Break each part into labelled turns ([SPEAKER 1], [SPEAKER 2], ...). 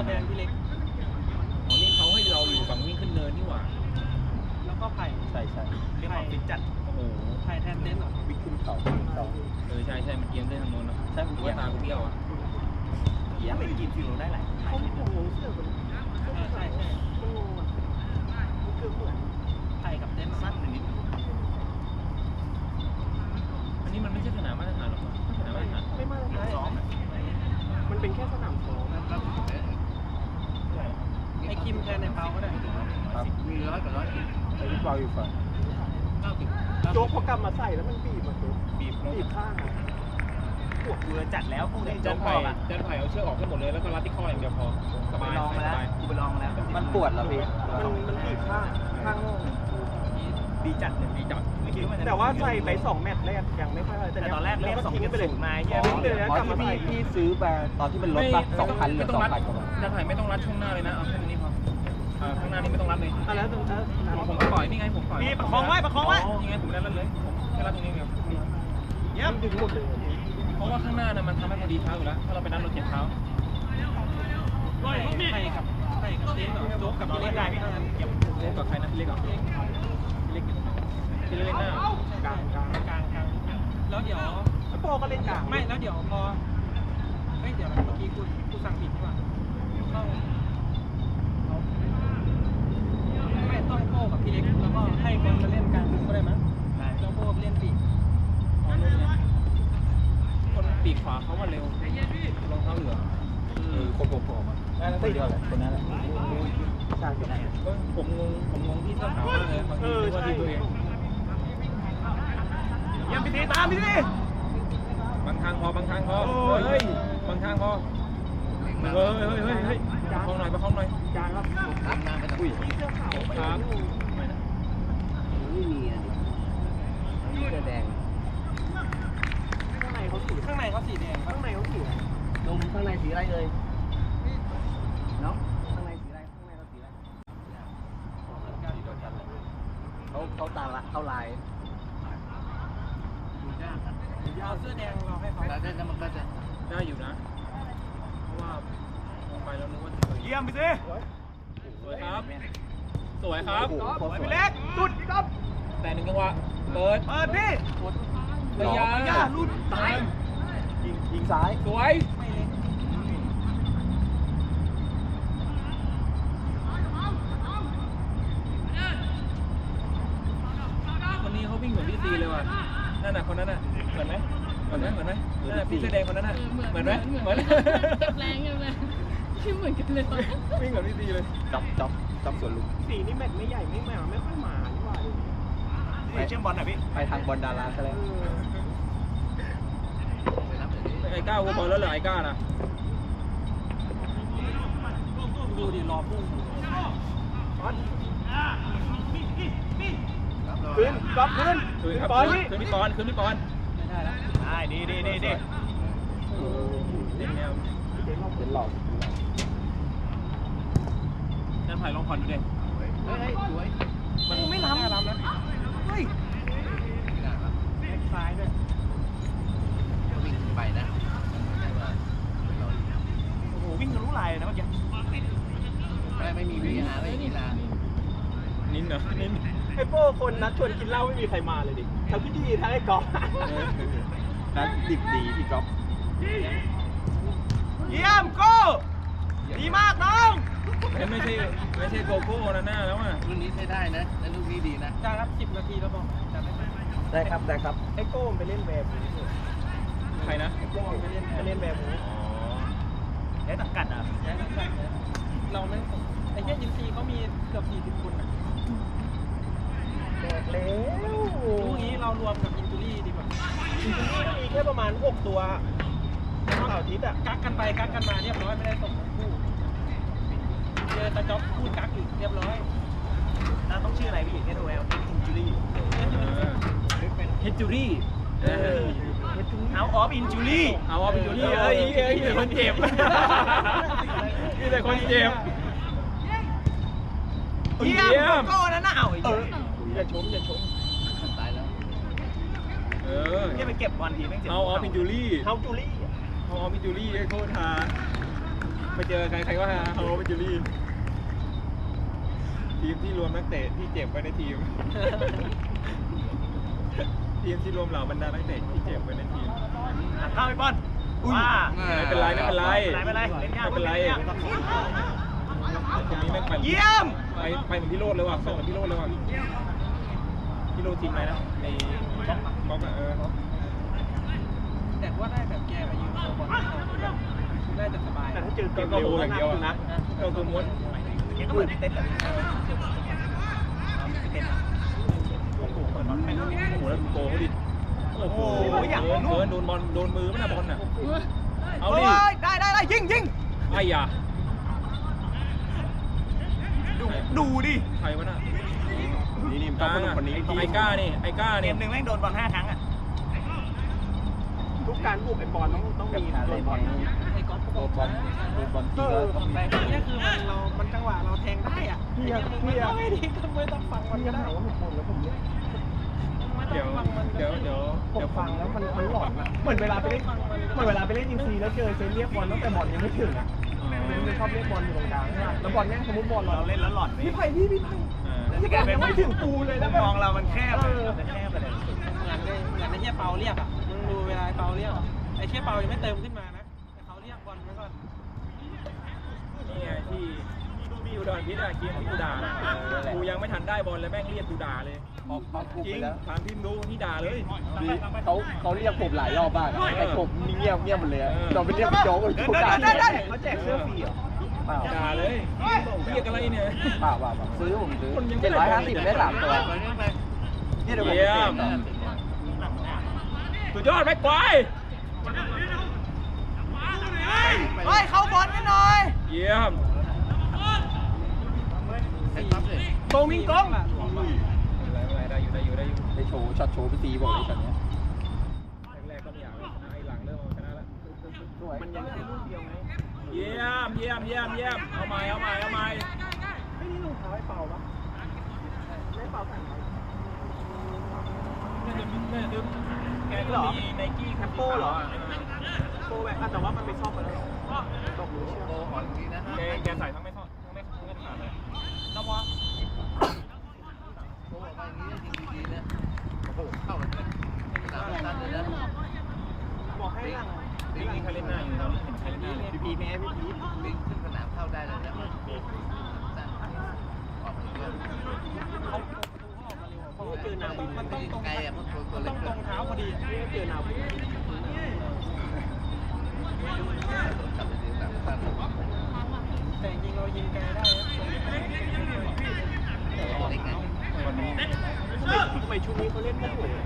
[SPEAKER 1] แดงพี่เล็ก
[SPEAKER 2] อ๋อนี่เขาให้เราอยู่ฝั่งวิ่งขึ้นเนินนี่หว่า
[SPEAKER 1] แล้วก็ไผ่
[SPEAKER 3] ใช่
[SPEAKER 1] เรียกว่าฟิตจัด
[SPEAKER 2] โอ้โห
[SPEAKER 1] ไผ่แทนเต็นท์เหรอ
[SPEAKER 3] วิ่งขึ้นเขา
[SPEAKER 2] ใช่มันเอียงได้ทางโน้นเนาะใช่ผมว่าตากูเบี้ยวอ่ะ
[SPEAKER 1] เอียงไปกินฟิวได้หลายเขาไม่งงเสื้อมันใช่มันงงอ่ะมันคือเหมือนไผ่กับเต็นท์สั้นนิด
[SPEAKER 2] อันนี้มันไม่ใช่สนามมาตรฐานหรอกสนามมาตรฐาน
[SPEAKER 1] ไม่มาตรฐานซ้อมมันเป็นแค่สนามซ้อมไอ้คิมแทนในเปาก็ได้มี100 กับ 110
[SPEAKER 3] ไอ้ที่เปล่าอยู่ฝั่ง
[SPEAKER 1] โจ๊กพอกลับมาใส่แล้วมันบีบมันบีบข้างพวกเรือจัดแล้วพวกนี้
[SPEAKER 2] จันไผ่เอาเชือกออกให้หมดเลยแล้วก็รัดที่ข้ออย่างเดียวพอสบาย
[SPEAKER 1] ลองมาแล้วกูไปลองมาแล้ว
[SPEAKER 3] มันปวดเหรอพี่
[SPEAKER 1] มันบีบข้างดีจัดเลยดีจัดแต่ว่าใส่ไป2 แมตช์แรกยังไม่ค่อยแต่ตอนแรกเล่น2 ไปเลยมาเงี้ยเล่นเลยแล้วกลับมา
[SPEAKER 3] พี่ซื้อไปตอนที่มันลดปะ2,000หรือ2,000กว่า
[SPEAKER 2] จันไผ่ไม่ต้องรัดช่วงหน้าเลยนะเอาแค่นี้พอข้างหน้านี่ไม่ต้องรัดเลย
[SPEAKER 1] แล้ว
[SPEAKER 2] ผมปล่อยนี่ไงผมปล่อย
[SPEAKER 1] พี่ประคองไว้
[SPEAKER 2] นี่ไงผมได้รัดเลยแค่รัดตรงนี้เดียว
[SPEAKER 1] เยี่ยมดึงหมดเลย
[SPEAKER 2] เพราะว่าข้างหน้าน่ะมันทำให้พอดีเท้าอยู่แล้วถ้าเราไปนั่งรถเจ็บเท้าใครกับเต้นโจ๊กกับพี่เล็กได้พี่เก็บโจ๊กกับใครนะพี่เล็กเหรอพี่เล็กหน้ากลางแล้วเดี๋ยว
[SPEAKER 1] โปก็เล่นกลาง
[SPEAKER 2] ไม่แล้วเดี๋ยวพอเดี๋ยวเมื่อกี้กูสั่งผิดดีกว่าต้องไม่ต้องโป้กับพี่เล็กแล้วก็ให้คนมาเล่นกลางก็ได้มั้ยแล้วโป้เล่นปีกคนปีกขวาเขามาเร็วรองเท้าเหลือง
[SPEAKER 3] คนผมอ่ะได้แล้วคนเดียวแหละคนนั้นแหละ
[SPEAKER 1] ใช่คนนั้น
[SPEAKER 2] ผมงงที่เสื้อขาวมากเลยบางทีว่าที่ตัวเอง
[SPEAKER 1] ยังไปตีตามพี่ดิ
[SPEAKER 2] บางทางพอบางทางพอเฮ้ยบางทางพอเฮ้ยประคองหน่อย
[SPEAKER 1] จานครับ
[SPEAKER 3] อุ้ย
[SPEAKER 1] เสื้อขาว
[SPEAKER 2] ครับ
[SPEAKER 3] ไม่มีอ่ะดิเสื้อแดง
[SPEAKER 1] ข้างในเขาสีแดงข้างในเขาสี
[SPEAKER 3] นมข้างในสีอะไรเลยเนาะข้างในสีอะไรเขาตาละเข้าลาย
[SPEAKER 1] เอาเสื้อแดงเราให้เขา
[SPEAKER 2] แล้วมันก็จะได้อยู่นะเพราะว่ามองไปแล้วนึกว่า
[SPEAKER 1] เยี่ยมไปสิ
[SPEAKER 2] สวยครับ
[SPEAKER 1] พี่เล็กสุดครับ
[SPEAKER 2] แต่1 จังหวะเปิด
[SPEAKER 1] พี่
[SPEAKER 2] ระยะ
[SPEAKER 1] ลุ้นตาย
[SPEAKER 3] ยิงซ้าย
[SPEAKER 2] สวยคนนี้เขาวิ่งเหมือนพี่ซีเลยว่ะนั่นน่ะคนนั้นน่ะเหมือนไหมนั่นน่ะพี่เสื้อแดงคนนั้นน่ะเหมือนไหมเหมือน
[SPEAKER 4] แรงเลยที่เหมือนกันเลย
[SPEAKER 2] วิ่งเหมือนพี่ซีเลย
[SPEAKER 3] จับสวนลุม
[SPEAKER 1] สีนี่แมตช์ไม่ใหญ่ไม่ค่อยมาดีกว่าไปเชื่อมบอลหน่อยพี่
[SPEAKER 3] ไปทางบอลดาราซะแล้ว
[SPEAKER 2] ไอ้ก้าวบอลแล้วเหรอไอ้ก้านะดูดิรอพุ่ง
[SPEAKER 1] ขึ้นบอล
[SPEAKER 2] ขึ้นพี่ปอนไม่ได้แล้ว
[SPEAKER 1] ได้ดี
[SPEAKER 2] เล่นแนว
[SPEAKER 3] เป็นหลอก
[SPEAKER 2] นั่นไผ่ลองผ่อนดูดิ
[SPEAKER 1] สวยมันไม่ล้ำนะเฮ้ยซ้ายด้วย
[SPEAKER 3] วิ่งไปนะ
[SPEAKER 1] โอ้โหวิ่งทะลุลายนะเมื่อกี้
[SPEAKER 3] ไม่มีVRไม่มีลา
[SPEAKER 2] นิ้นเหรอนิ้น
[SPEAKER 1] ไอ้โป้คนนัดชวนกินเหล้าไม่มีใครมาเลยดิทั้งพี่ดีทั้งไอ้ก๊อฟ
[SPEAKER 3] นัดดิบดีพี่ก๊อฟ
[SPEAKER 1] เยี่ยมโก้ดีมากน้อง
[SPEAKER 2] ไม่ใช่โกโก้นะหน้าแล้วอ่ะ
[SPEAKER 3] รุ่นนี้ใช้ได้นะและลูกนี้ดีนะ
[SPEAKER 1] จ้าครับ10 นาทีแล้วบอก
[SPEAKER 3] ได้ครับ
[SPEAKER 1] ไอ้โก้ไปเล่นแบบ
[SPEAKER 2] ใครนะ
[SPEAKER 1] ไอ้โก้ไปเล่นแบบแย่ตักกัดอ่ะเราไม่ไอ้เหี้ยยิมซีเขามีเกือบ40 คนอ่ะบอกแล้วลูกนี้เรารวมกับอินจูรี่ดีกว่าอินจูรี่มีแค่ประมาณ6 ตัวเสาร์อาทิตย์อ่ะกักกันไปกักกันมาเรียบร้อยไม่ได้ส่งทั้งคู่เจอตาจ๊อบพูดกักอีกเรียบร้อยน่าต้องชื่ออะไรพี่เฮดเวลอินจูรี่
[SPEAKER 2] เฮดจูรี่
[SPEAKER 1] เอาออฟอินจูรี่
[SPEAKER 2] เอ้ยแต่คนเจ็บแต่คนเจ็บ
[SPEAKER 1] เยี่ยมโก้นั่นน่ะอย่าชม
[SPEAKER 3] ตายแล้ว
[SPEAKER 1] เนี่ยไปเก็บบอลทีแม่งเจ็บ
[SPEAKER 2] เอาออฟอินจูรี่
[SPEAKER 1] เอาจูรี่
[SPEAKER 2] ไอ้โคตรทาไปเจอใครว่าโฮเวจูรี่ทีมที่รวมนักเตะที่เจ็บไว้ในทีม ทีมที่รวมเหล่าบรรดานักเตะที่เจ็บไว้ในทีม
[SPEAKER 1] เข้าไปบอลว้า
[SPEAKER 2] ไม่เป็นไรไม่เป็นไร
[SPEAKER 1] ไม่เป็นไรเล่นยาก
[SPEAKER 2] ไม่เป็นไรทีนี้แม่งไป
[SPEAKER 1] เยี่ยม
[SPEAKER 2] ไปเหมือนพี่โรดเลยว่ะไปเหมือนพี่โรดเลยว่ะพี่โรดทีมอะไรนะในก๊อกอะ
[SPEAKER 1] แต่ว่าได้แบบแกมายืนตัวบอลน่าจะสบายแต่ถ้าเจอ
[SPEAKER 2] ก็โหอย่างเดียวนะก็คือม้วน
[SPEAKER 1] แกก็เหมือนเต้นแบบเต้น
[SPEAKER 2] โอ้โหเหมือนโอ้โหแล้วโกเขาดิโอ้โหอย่างเกินโดนบอลโดนมือไม่น่ะบอลน่ะเอาดิ
[SPEAKER 1] ได้ยิง
[SPEAKER 2] ไอ้ยา
[SPEAKER 1] ดูดิ
[SPEAKER 2] ใครวะน่ะ
[SPEAKER 1] นี่
[SPEAKER 2] กล้าคนนี้ไอ้ก้านี่ไอ้ก้า
[SPEAKER 1] เก
[SPEAKER 2] นี่
[SPEAKER 1] มหนึ่งแม่งโดนบอล5 ครั้งอ่ะทุกการบุกไอ้บอลต้องมีโดนบอลไอ้ก๊อฟโดนบอลทีก็นี่คือมันจังหวะเราแทงได้อ่ะพี่ไม่ดีก็ไม่ต้องฟังมันก็ได้ว่าผมแล้วผมเนี่ย
[SPEAKER 2] เดี๋ยว
[SPEAKER 3] ผมฟังแล้วมันหลอนอะเหมือนเวลาไปเล่นอินซีแล้วเจอเซนเรียกบอลตั้งแต่บอลยังไม่ถึงอะมันชอบเรียกบอลอยู่ตรงกลางใช่ไหมแล้วบอลแม่งสมมติบอลเราเล่นแล้วหลอนพี่ไผ่ที่บอลยังไม่ถึงปูเลยนะมองเรามันแคบเลยแคบไปเลยเหมือนไอ้เชี่ยเปาเรียกอ่ะมึงดูเวลาเปาเรียกไอ้เชี่ยเปายังไม่เติมขึ้นมานะแต่เขาเรียกบอลไว้ก่อน
[SPEAKER 2] นี่ไงที่อุดรพิษอะเกมที่กูด่ากูยังไม่ทันได้บอลเลยแม่งเรียกกูด่าเลยจริงถามพิมพ์ดูที่ด่าเลย
[SPEAKER 3] เขาเรียกผมหลายรอบบ้างแต่ผมเงียบหมดเลยเราไปเรียกพี่โจ๊กได้เขาแจกเสื้อฟรีเหรอ
[SPEAKER 2] ด่าเลยเรียกอะไรเนี่ย
[SPEAKER 3] เปล่าซื้อผมซื้อ750ได้3 ตัวนี่เดี๋ยวผม
[SPEAKER 2] เยี่ยมสุดยอดแม็กควาย
[SPEAKER 1] เฮ้ยเข้าบอลกันหน่อย
[SPEAKER 2] เยี่ยม
[SPEAKER 1] โกมิงกง
[SPEAKER 2] ได้อยู่
[SPEAKER 3] ไปโชว์ช็อตโชว์ไปตีบอกเลยช็อตนี้
[SPEAKER 2] แรกก็ไม่อยากเลยชนะไอ้หลังเริ่มชนะแล้ว
[SPEAKER 3] มันยังแค่ลูกเดียวไง
[SPEAKER 2] เยี่ยมเอาใหม่
[SPEAKER 1] ไม่นี่รองเท้าไอ้เปล่าปะไม่เปล่าแต่งไว้
[SPEAKER 2] น่าจะแกก็มีไนกี้คัปโป้เหรอ
[SPEAKER 1] โปรแบบแต่ว่ามันไม่ชอบกันแล้วตกหรือเชียว
[SPEAKER 2] แกใส่ทั้งไม่ทอดทั้งไม่ขาดเลย
[SPEAKER 1] น้ำวะ บอกให้หลัง
[SPEAKER 2] มีใครเล่นหน้าอยู่ตอนนี้เห็นใครเล่นหน้า
[SPEAKER 1] พีแม่พี่พี
[SPEAKER 5] วิ่งขึ้นสนามเข้าได้เลยนะออกไปเลย
[SPEAKER 1] เขาเจอนาวินมันต้องตรง
[SPEAKER 5] ไกลอ่ะมันตัว
[SPEAKER 1] ต้
[SPEAKER 5] เล็
[SPEAKER 1] อก งตรงเท้าพอดีเจอนาวิน
[SPEAKER 5] กลับไปถึงต่างชาติ
[SPEAKER 1] แต่จริงเรายิงแกได้
[SPEAKER 5] เล็กไง
[SPEAKER 2] วันนี้
[SPEAKER 1] ทำไมชุดนี้เขาเล่นไม่ถูก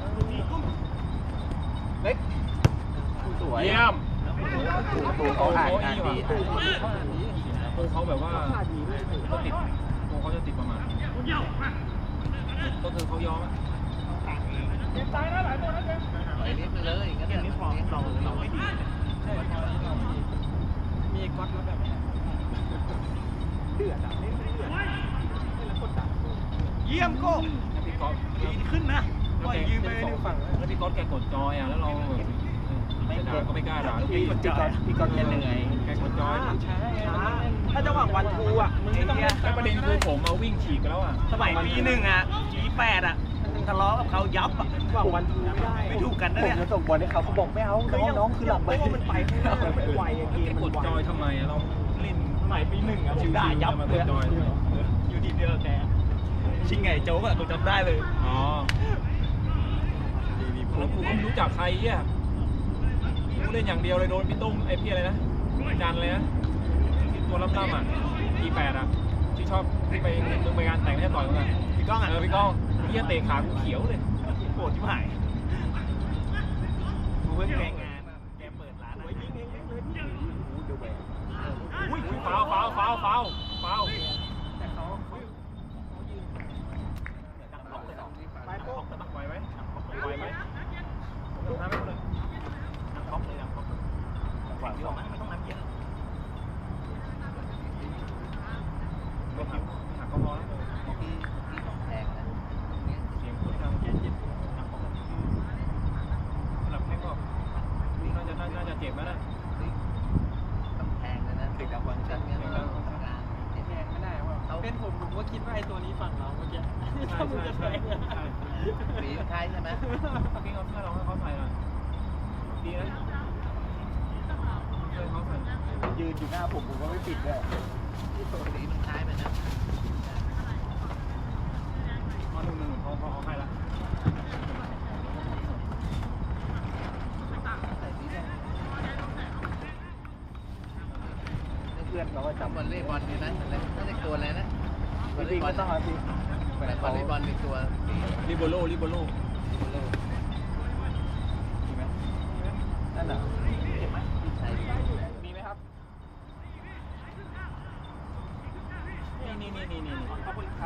[SPEAKER 3] เล็กสวย
[SPEAKER 2] เยี่ยม
[SPEAKER 3] ตัวเขาอ่านงานดี
[SPEAKER 2] โเขาแบบว่าเขาติดเขาจะติดประมาณก็คือเขายอม
[SPEAKER 5] ปล่อยเลี้ยงไปเลยงั้น
[SPEAKER 1] เกมนี้ฟอร์มเราไม่ดีใช่มีก๊อตแล้วแบบเดือดอ่ะเล่นเดือดแล้วกดดันเยี่ยมโก้
[SPEAKER 2] พี่ก๊อฟ
[SPEAKER 1] ดีขึ้นนะปล่อยยืมไปหนึ่งฝั่ง
[SPEAKER 2] แล้วพี่ก๊อฟแกกดจอยอ่ะแล้วเราไม่ด่าก็ไม่กล้าด่าพี่
[SPEAKER 3] ก๊อตเล่นยังไง
[SPEAKER 2] แกกดจอย
[SPEAKER 1] ถ้าจะหวังวันทูอ่ะมึงไม่ต้อง
[SPEAKER 2] แล้วประเด็นคือผมเอาวิ่งฉีกแล้วอ่ะ
[SPEAKER 1] สมัยปี1อ่ะปี8อ่ะทะเลาะกับเขายับอ่ะหวังวันทูไม่ถูกกันนะ
[SPEAKER 3] ผม
[SPEAKER 1] เนี่ย
[SPEAKER 3] จะส่งบอลให้เขาบอกไม่เอาน้องคือหลับไป
[SPEAKER 1] มันไปข้างหน้ามันไวเก
[SPEAKER 2] แก
[SPEAKER 1] ม
[SPEAKER 2] ก
[SPEAKER 1] มัน
[SPEAKER 2] ด
[SPEAKER 1] ไว
[SPEAKER 2] จอยทำไมเราเล่น
[SPEAKER 1] สมัยปี1อ่ะผมด่ายับเลยอยู่ทีเดียวแกชิงไงโจ๊กอ่ะกูจำได้เลย
[SPEAKER 2] อ๋อแล้วกูก็ไม่รู้จักใครอ่ะกูเล่นอย่างเดียวเลยโดนพี่ตุ้มไอ้พี่อะไรนะจันเลยนะตัวล่ำๆอ่ะปี8อ่ะที่ชอบที่ไปมึงไปงานแต่งไม่ใช่ต่อยมั้งอ่ะ
[SPEAKER 1] พี่ก้องอ่ะ
[SPEAKER 2] พี่ก้องพี่เตะขากูเขียวเลย
[SPEAKER 1] โกรธชิบหายกูเพิ่งแกงงานแกเปิดร้านอะไรยิงเองเลยอุ้ย
[SPEAKER 2] ฟาวแต่เขายืนดักล็อกเลยไปโป๊กแต่บักไหวไหมทำให้เลยดักล็อกเลยหวังที่ออกมาไม่ต้องน้ำเยอะไม่หักก็พอแล้ว
[SPEAKER 5] ที่ต้องแพงนะ
[SPEAKER 2] เสียงคนดังเจ็บดักล็อกหลับแค่ก็น่าจะเจ็บแล้วนะ
[SPEAKER 5] ต้องแพงนะ
[SPEAKER 2] เด็ก
[SPEAKER 1] เป็นผมก็คิดว่าไอ้ตัวนี้ฝั่งเราเมื่อกี้ถ้ามึงจะแทง
[SPEAKER 6] สีคล้ายใช่ไหม
[SPEAKER 2] พี่เอาเสื้อเราให้เขาใส่หน่อยดีนะเสื้อเขาใส่
[SPEAKER 3] ยืนอยู่หน้าผมก็ไม่ปิดด้วย
[SPEAKER 6] สีมันคล้ายไปนะ
[SPEAKER 2] มาหนึ่งเขาให้ละ
[SPEAKER 6] ใส่สีแดง
[SPEAKER 3] เพื่อนเราก็
[SPEAKER 6] จำวอลเลย์บอลดีนะอะไรนั่นเป็นตัวอะไรนะวอลเล
[SPEAKER 3] จริ
[SPEAKER 6] ย์
[SPEAKER 3] ง
[SPEAKER 6] บอ
[SPEAKER 3] ไม่
[SPEAKER 6] ล
[SPEAKER 3] ต้องเอาสิ
[SPEAKER 6] วอลเลย์บอลเป็นตัวสี
[SPEAKER 2] ลิโบโลลิโบโล
[SPEAKER 3] มีไหมนั่นน่ะเห็นไหม
[SPEAKER 6] ใช่
[SPEAKER 3] มีไหมครับ
[SPEAKER 2] นี่
[SPEAKER 3] ขอบคุณครับ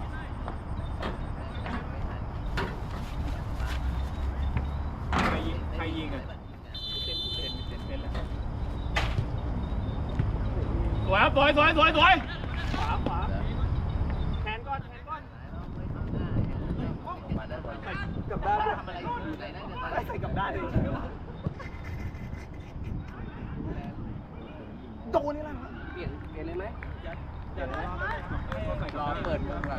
[SPEAKER 2] ใครยิงอ่ะ
[SPEAKER 3] เป็นแล้ว
[SPEAKER 2] สวยครับสวย
[SPEAKER 3] ขวาแทนก้อน
[SPEAKER 6] มาได้บอล
[SPEAKER 3] กับด้านด้วย
[SPEAKER 6] ทำอะไรอยู่ไหนนั่นจะตาย
[SPEAKER 3] ใส่กับด้านเลยโดนนี่แหละเปลี่ยนเลยไหม
[SPEAKER 1] เดี๋ยวรอ
[SPEAKER 6] รอเปิดมือก่อน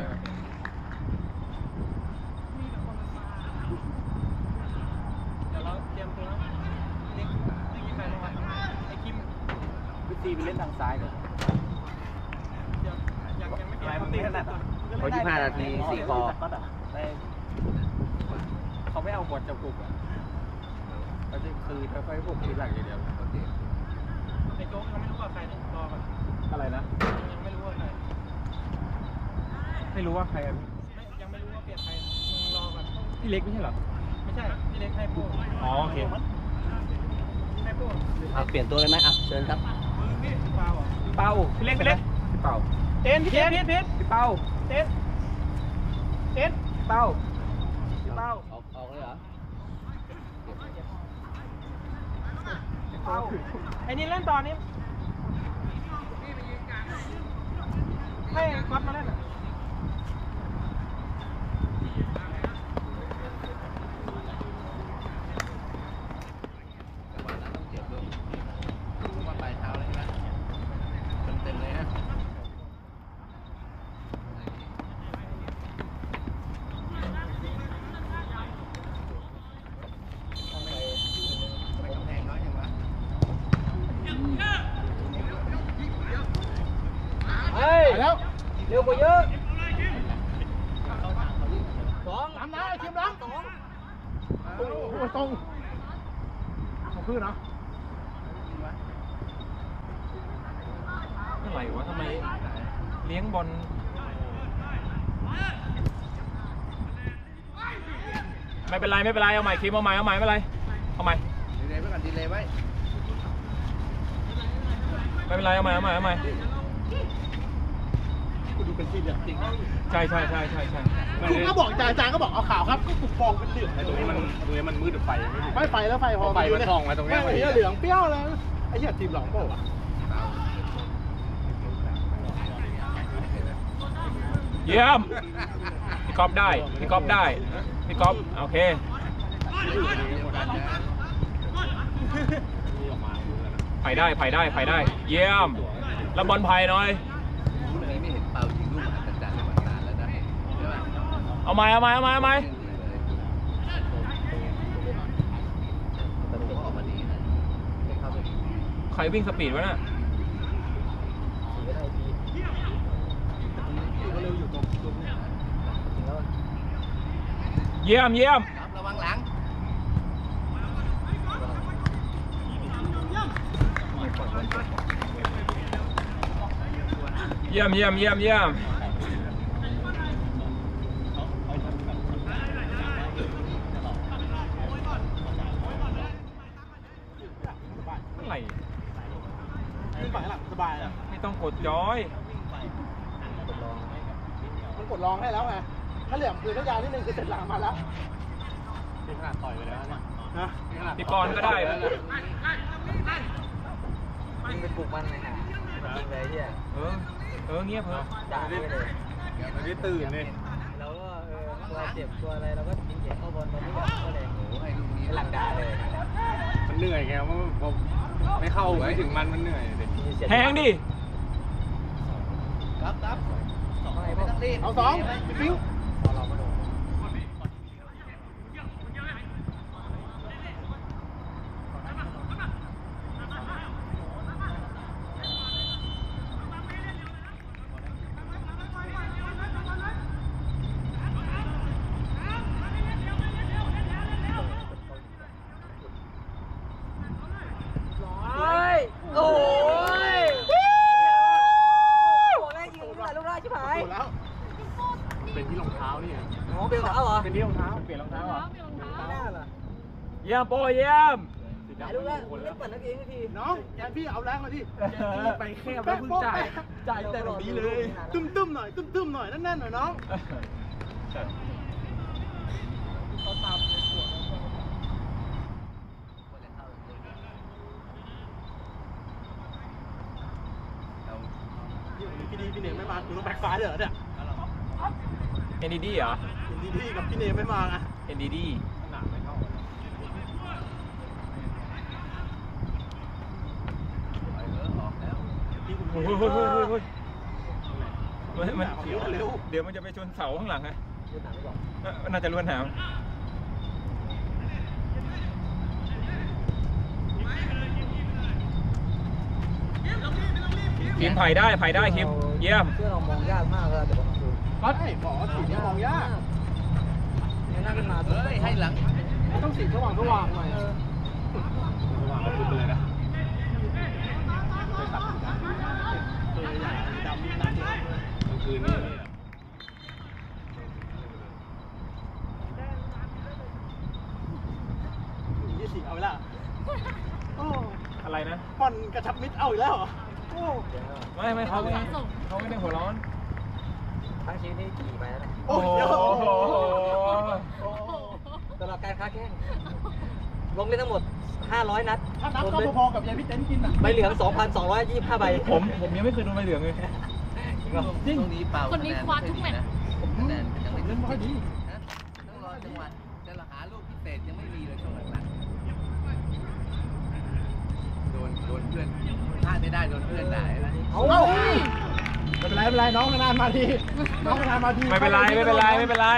[SPEAKER 1] เดี๋ยวเราเตรียมตัวนะนี่ใครลงมาไอ้คิม
[SPEAKER 3] วิธีไปเล่นทางซ้ายด้วย
[SPEAKER 1] ยังไม่เตรียม
[SPEAKER 3] มันตีขนาดเขา25 นาที4 คอเขาไม่เอาบอลจับกลุ่มอ่ะเขาจะคือค่อยๆพวกทีหลังอย่างเดียว
[SPEAKER 6] โอเค
[SPEAKER 1] ไอ้โจ๊กยังไม่รู้ว่าใครนี่รอก่อน
[SPEAKER 3] อะไรนะ
[SPEAKER 1] ยังไม่รู้ว่าใคร
[SPEAKER 3] ไม่รู้ว่าใครอ่ะ
[SPEAKER 1] ยังไม่รู้ว่าเปลี่ยนใครมึงรอก่อน
[SPEAKER 3] พี่เล็กไม่ใช่เหรอ
[SPEAKER 1] ไม่ใช่พี่เล็กให้โป้
[SPEAKER 3] อ๋อโอเค
[SPEAKER 1] ให้โป้
[SPEAKER 6] เปลี่ยนตัวเลยไหมอ่ะเชิญครับ
[SPEAKER 1] ฟาวเหรอ
[SPEAKER 3] เป้าพี่เล็กพี่เป้า
[SPEAKER 1] เต้นพี่
[SPEAKER 3] พี่เป้า
[SPEAKER 1] เต้น
[SPEAKER 3] เป้า
[SPEAKER 1] เป้า
[SPEAKER 6] ออกเลยเหรอ
[SPEAKER 1] เป้าไอ้นี่เล่นตอนนี้ให้ก๊อตมาเล่นอ่ะ
[SPEAKER 6] จังหวะนั้นต้องเจ็บด้วยว่าปลายเท้าเลยใช่ไหมเต็มเลยนะ ไม่กำแพงน้อยจังวะ
[SPEAKER 3] เฮ้ยแล้วเร็วกว่าเยอะ
[SPEAKER 5] ล้ำนะไอ้ทีมล้ำโอ้โหตรงของพื้นเนาะ
[SPEAKER 2] อะไรวะทำไมเลี้ยงบอลไม่เป็นไรเอาใหม่คิมเอาใหม่ไม่เป็นไรเอาใหม่
[SPEAKER 6] ดีเลยไว้ก่อนดีเลยไว้
[SPEAKER 2] ไม่เป็นไรเอาใหม่
[SPEAKER 3] กูดูเป็นทีมอย่างจริง
[SPEAKER 2] ใช่
[SPEAKER 5] คุณก็บอกอาจารย์ก็บอกเอาข่าวครับก็ถูกฟองเป็นเหลือง
[SPEAKER 3] ตรงนี้มันมืดไฟ
[SPEAKER 5] ไม่ไฟแล้วไฟพอ
[SPEAKER 3] ไฟมันส่องมาตรงเนี้ย
[SPEAKER 5] ไอ้เหี้ยเหลืองเปรี้ยวเลยไอ้เหี้ยทีมหลองเปล่าวะ
[SPEAKER 2] เยี่ยมพี่ก๊อฟได้พี่ก๊อฟโอเคไปได้เยี่ยมแล้วบอลไผ่หน่อย
[SPEAKER 6] วันนี้ไม่เห็นเปายิงลูกอัศจรรย์มานานแล้วนะใช่ไหม
[SPEAKER 2] เอาใหม่
[SPEAKER 6] แต่ตัวออกมาดีนะไม่เข้าไป
[SPEAKER 2] ใครวิ่งสปีดวะน่ะเยี่ยม
[SPEAKER 6] ระวังหลัง
[SPEAKER 2] เยี่ยมอะไร
[SPEAKER 5] ขึ้นฝั่งหลังสบายอ่ะ
[SPEAKER 2] ไม่ต้องกดจอย
[SPEAKER 5] มันกดรองให้แล้วไงถ้าเหลี่ยมคือถ้ายาวนิดนึงคือเสร็จหลังมาแล้ว
[SPEAKER 3] นี่ขนาดต่อยไปแล้วเนี่ย
[SPEAKER 5] นะ
[SPEAKER 2] พี่กรณ์ก็ได้
[SPEAKER 3] ยิงไปปลุกมันเลยนะยิงเลยเฮีย
[SPEAKER 2] เงียบ
[SPEAKER 3] ด่าไปเลยมันได้ตื่นเลยเราก็ตัวเจ็บตัวอะไรเราก็ยิงเจ็บเข้าบอลตอนนี้ก็เลย
[SPEAKER 6] โอ้โหให้ลูกนี้
[SPEAKER 3] หลังด่าเลยมันเหนื่อยไงเพราะผมไม่เข้าไม่ถึงมันเหนื่อยเลย
[SPEAKER 2] แทงดิ
[SPEAKER 6] ครับดิ
[SPEAKER 5] เอาสองปิ้ว
[SPEAKER 3] โอ้ย
[SPEAKER 5] ถูกแล้ว เป็นที่รองเท้านี่ไง
[SPEAKER 3] อ๋อเป็นของเขาเหรอ
[SPEAKER 2] เป็นที่รองเท้าเปลี่ยนรองเท้าเหรอ
[SPEAKER 4] เปลี่ยนรองเท้า
[SPEAKER 3] หน้าเหรอ
[SPEAKER 2] เยี่ยมโปรเยี่ยม
[SPEAKER 3] ถ่ายรูปแล้วเล่นปั่นนักเองที
[SPEAKER 5] น้องแกพี่เอาแรงมาดิ
[SPEAKER 3] ไปแคบแล้วเพิ่งจ่ายแต่ตรงนี้เลย
[SPEAKER 5] ตึ้มๆหน่อยตึ้มๆหน่อยแน่นๆหน่อยน้อง
[SPEAKER 3] เขาตามในขวด
[SPEAKER 5] พี่ดีพี่เนมไม่มาคุณต้องแบ็คซ้ายเลยเหรอเนี่ย
[SPEAKER 2] NDD เหรอ
[SPEAKER 5] พี่ดีกับพี่เนมไม่มาไง
[SPEAKER 2] NDD เฮ้ยมันเดี๋ยวมันจะไปชนเสาข้างหลังไงน่าจะล้วนหนามคิมไผ่ได้คิมเยี่ยม
[SPEAKER 3] เพื่อเรามองยากมากเลยแต่ว่าคือ
[SPEAKER 5] ก็ใช่บอกว่าสีนี้มองยาก
[SPEAKER 3] เนี่ยนั่งขึ้นมา
[SPEAKER 6] เฮ้ยให้หลัง
[SPEAKER 5] ต้องสีสว่างหน่อยสว่างก็พูดไปเลยนะไปตัดสีดำตัวใหญ่ดำกลางคืนนี่ยี่สิบเอาไปละโอ้
[SPEAKER 2] อะไรนะ
[SPEAKER 5] บอลกระชับมิตรเอาอีกแล้วเหรอโอ้
[SPEAKER 2] ไม่เขาไม่ได้หัวร้อน
[SPEAKER 3] ทั้งชีวิตนี่กี่ไปแล้ว
[SPEAKER 5] โอ้ย
[SPEAKER 3] ตลอดการค้าแข้งลงเล่นทั้งหมด500 นัด
[SPEAKER 5] ถ้านับก็พอๆกับยายพี่เต้นกินอ่ะ
[SPEAKER 3] ใบเหลือง 2,225 ใบ
[SPEAKER 2] ผมยังไม่เคยโดนใบเหลืองเลย
[SPEAKER 3] จริง
[SPEAKER 6] ตรงนี้เปล่า
[SPEAKER 4] คนนี้คว้าทุกแมตช์
[SPEAKER 6] คะแนนยังไม่
[SPEAKER 5] เล่นไม่ค่อยดี
[SPEAKER 6] นะต้องรอจังหวะจะหาลูกพิเศษยังไม่มีเลยช่วงหลังๆโดนเพื่อนพลาดไม่ได้โดนเพื่อนด่านะ
[SPEAKER 3] เอา
[SPEAKER 5] ไม่เป็นไรน้องนานมาทีน้องนานมาที
[SPEAKER 2] ไม่เป็นไร
[SPEAKER 5] ไม่โดน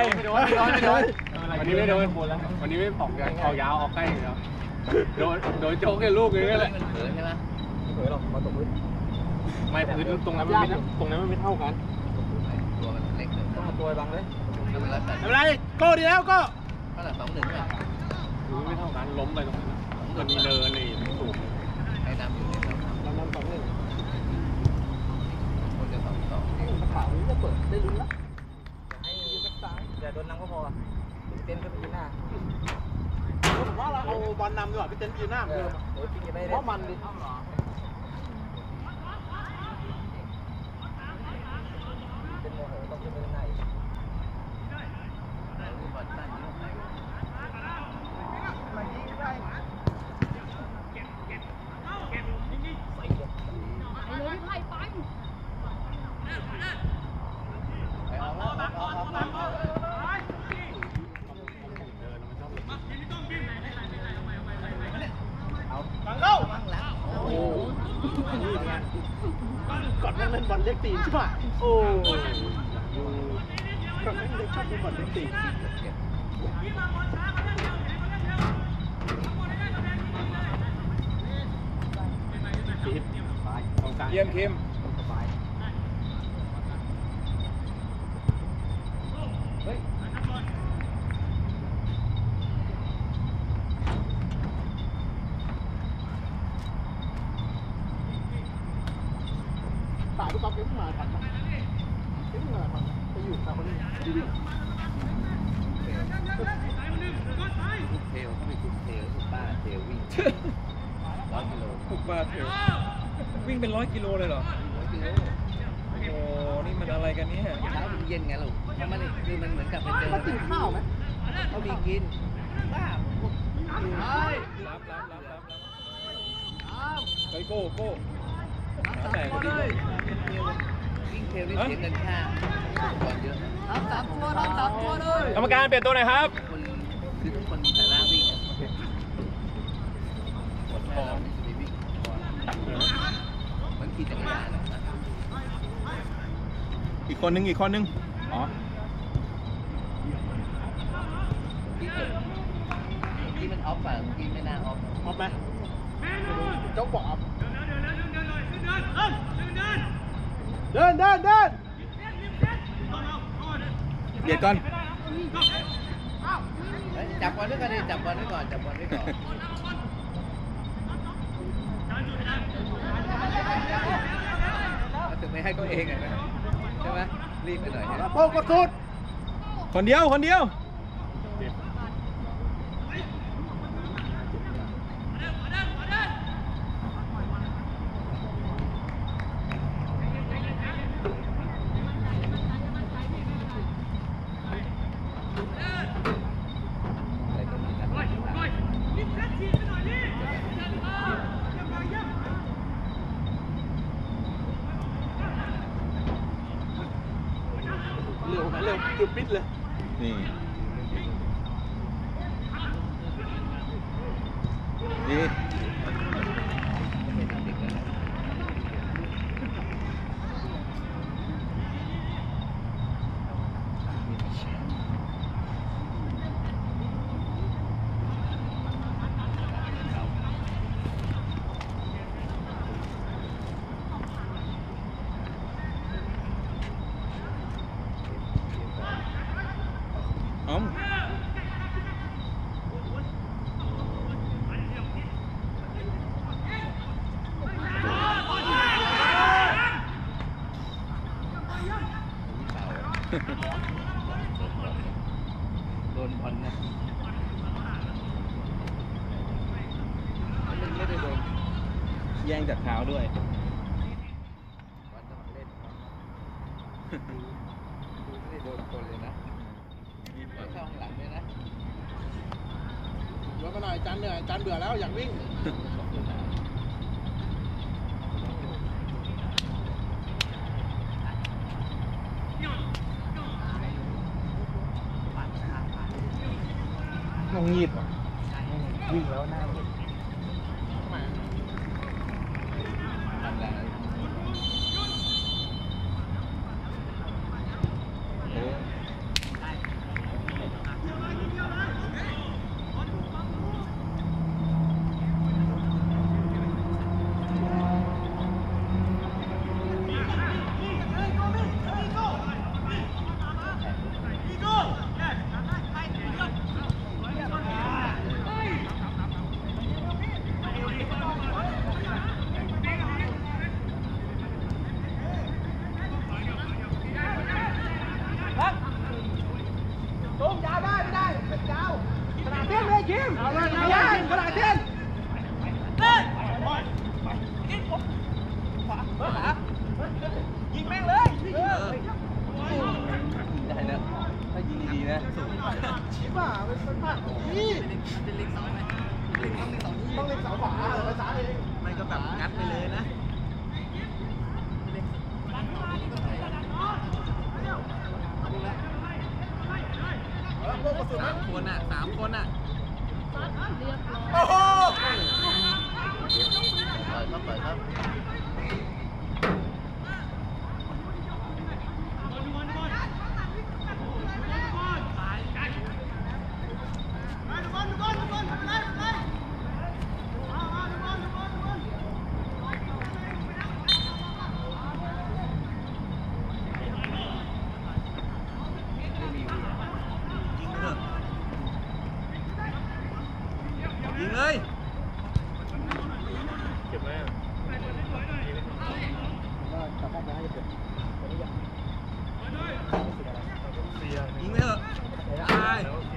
[SPEAKER 5] วันนี้ไม่โดนวันนี้ไม่ออกยาวออกใกล้อยู่แล้วโดนโจ๊กแค่ลูกนึงนั่นแหละ
[SPEAKER 6] มันเผลอใช่ไหม
[SPEAKER 3] ไม่เผยหรอกมาตกพื้น
[SPEAKER 5] ไม่พื้นตรงนั้นมันไม่เท่ากัน
[SPEAKER 6] ตัวมันเล็กเลย
[SPEAKER 3] ต้องมาตัวบังเลย
[SPEAKER 6] ทำอะไรแต่
[SPEAKER 5] ไม่เป็นไรโก้ดีแล้วก็
[SPEAKER 6] เท่าไหร่2-1ป่ะ
[SPEAKER 5] ไม่เท่ากันล้มไปตรงนั้นมันมีเนินนี่สูง
[SPEAKER 6] ให้นำอยู่เนี่ย
[SPEAKER 5] เรานำ2-1
[SPEAKER 6] คนจะ2-2
[SPEAKER 3] ข่าวนี้จะเปิดได้ลุ้นละให้ยืนสักซ้ายอย่าโดนน้ำก็พอเต้นขึ้นไปยืนหน้า
[SPEAKER 5] ผมว่าเราเอาบอลนำดีกว่าพี่เต้นยืนหน้าเหมือนเดิม
[SPEAKER 3] เดี๋ยวพี่ไม่ได้
[SPEAKER 5] เพราะมันดิ
[SPEAKER 3] เป็นโมโหต้องขึ้นไปข้างใน
[SPEAKER 6] บอลสั้นเยอะไป
[SPEAKER 4] ไปเลยพี่ไผ่ไป
[SPEAKER 6] ไปออกแล้วออก
[SPEAKER 5] ฟังเข้า
[SPEAKER 6] หลัง
[SPEAKER 5] โอ้นี่ไงก่อนแม่งเล่นบอลเล็กตีนใช่ป่ะโอ้ก่อนแม่งเล็กชอบเล่นบอลเล็กตีน
[SPEAKER 2] เยี่ยมคิม
[SPEAKER 5] ตายทุกครั้งเก่งมาทันเก่งมาทันไปอยู่ตามคนนี้ดี
[SPEAKER 6] เทลไม่ถูกเทลถูกป้าเทลวิ่ง100 กิโล
[SPEAKER 2] ปุกบาเทลวิ่งเป็น100 กิโลเลยเหรอ
[SPEAKER 6] 100 กิโล
[SPEAKER 2] โอ้โห นี่มันอะไรกันเนี่ย
[SPEAKER 6] เช้ามันเย็นไงลูกเพราะมันนี่คือมันเหมือนกับเป็นเดิน
[SPEAKER 5] มันติดข้าวไหม
[SPEAKER 6] เขามีกินบ้าพวก
[SPEAKER 2] รับเฮ้ยโก้แต่งดิ
[SPEAKER 6] วิ่งเทลนี่เสียเงินค่าก่อนเยอะนะ
[SPEAKER 2] กรรมการเปลี่ยนตัวหน่อยครับ
[SPEAKER 6] คนคือทุกคนมีฐานะวิ่งอะหมดแค่เราไม่จะไปวิ่งเหมือนขี่จักรยานอะนะ
[SPEAKER 2] อีกคนนึงอ๋อ
[SPEAKER 6] ที่มันออฟอ่ะที่ไม่น่าออฟ
[SPEAKER 3] ออฟไหมเจ้าบอกออฟเดิน
[SPEAKER 2] เบียดก่อน
[SPEAKER 6] จับบอลด้วยกันดิจับบอลไว้ก่อนจับบอลไว้ก่อนถึงไม่ให้ตัวเองนะใช่ไหมรีบไปหน่อยนะ
[SPEAKER 3] โป้งกดสุด
[SPEAKER 2] คนเดียว
[SPEAKER 6] อะไรก็มีนะ
[SPEAKER 3] เร็วหยุดปิดเลย
[SPEAKER 2] นี่ นี่ อ๋อ
[SPEAKER 6] โดนบอลนะไม่ได้โดน
[SPEAKER 2] แย่งจากเท้าด้วย
[SPEAKER 6] บอลต้องเล่นไม่ได้โดนคนเลยนะไม่เข้าข้างหลังเลยนะ
[SPEAKER 3] ยกมาหน่อยจานเหนื่อยจานเบื่อแล้วอยากวิ่ง
[SPEAKER 2] งงงีบอ่ะ
[SPEAKER 3] วิ่งแล้วหน้าวิ่ง
[SPEAKER 6] ทำแรง
[SPEAKER 3] ตุ้มยาวได้ไม่ได้เป็นยาวขนาดเส้นเลยคิมเอาเลยยาวขนาดเส้นยิงแม่งเลย
[SPEAKER 6] ได้นะถ้ายิงดีๆนะ
[SPEAKER 3] ชิบะเป็นผักนี่ต้องเล็งเสาขวาภาษาเอง
[SPEAKER 6] มันก็แบบงัดไปเลยนะสามคนอ่ะ
[SPEAKER 4] เรียบร้อย
[SPEAKER 3] โอ้โห
[SPEAKER 6] เปิดครับยิงเลย
[SPEAKER 2] เก็บไว้อ่ะ
[SPEAKER 6] ยิงไปเถอะตาย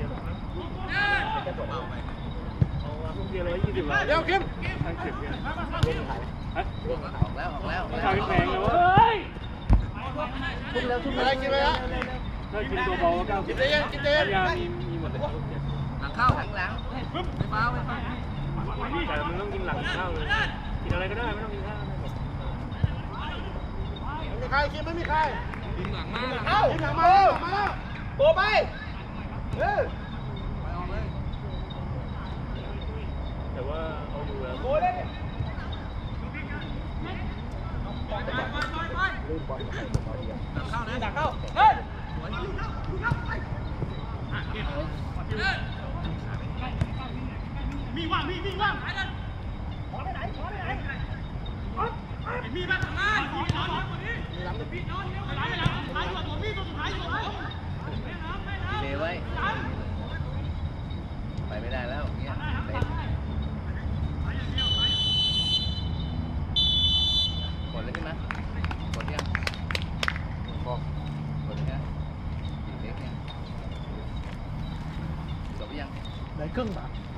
[SPEAKER 3] เดี๋ยวคิม
[SPEAKER 6] ออกแล้ว
[SPEAKER 2] ชาวแพงเลยเว้ย
[SPEAKER 3] ทุ่มอะไรกินไปแล้ว
[SPEAKER 2] ถ้ากินตัวเบาก็
[SPEAKER 3] กินได้ยังกินได้ยัง
[SPEAKER 2] ยามีหมดเลย
[SPEAKER 6] หลังเข้าหลังไม่ฟ้า
[SPEAKER 2] แต่มึงต้องกินหลังข้าวเลยกินอะไรก็ได้ไม่ต้องกินข้าว
[SPEAKER 3] ไม่มีใครคิมไม่มีใคร
[SPEAKER 6] ยิงหลังมา
[SPEAKER 3] เอ้าหลังมาแล้วโบไป
[SPEAKER 6] ไป
[SPEAKER 3] เออ
[SPEAKER 6] ออกเลย
[SPEAKER 2] แต่ว่าเอาอยู่แล้ว
[SPEAKER 3] โบได้
[SPEAKER 6] หลังเข้านะ
[SPEAKER 3] ดักเข้าเฮ้ย
[SPEAKER 6] เลยไว้ไปไม่ได้แล้วอย่างเงี้ยเต็มกดเลยขึ้นมากดยังกดเลยนะอีกเล็กยังจบยัง
[SPEAKER 3] ได้ครึ่งบาท